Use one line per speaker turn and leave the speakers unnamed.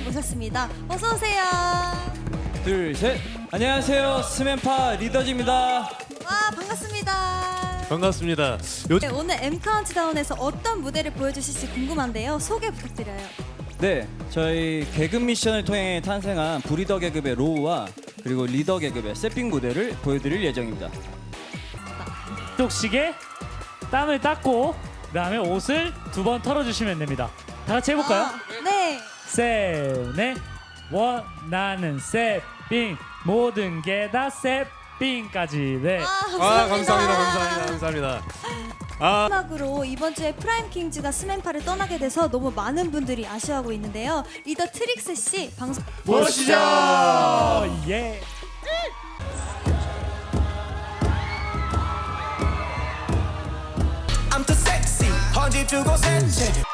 모셨습니다. 어서 오세요.
둘, 셋. 안녕하세요. 스맨파 리더즈입니다.
와, 반갑습니다.
반갑습니다.
네, 오늘 M 카운트다운에서 어떤 무대를 보여주실지 궁금한데요. 소개 부탁드려요.
네, 저희 개그 미션을 통해 탄생한 브리더 계급의 로우와 그리고 리더 계급의 세핑 무대를 보여드릴 예정입니다.
똑시게 땀을 닦고 그다음에 옷을 2번 털어주시면 됩니다. 다 같이 해볼까요?
네.
세네 원하는 세핑 모든 게 다 세핑까지. 네.
감사합니다.
마지막으로 이번 주에 프라임 킹즈가 스맨파를 떠나게 돼서 너무 많은 분들이 아쉬워하고 있는데요. 리더 트릭스 씨 방송
보시죠.
예.
I'm too sexy. 헌집 주고 센체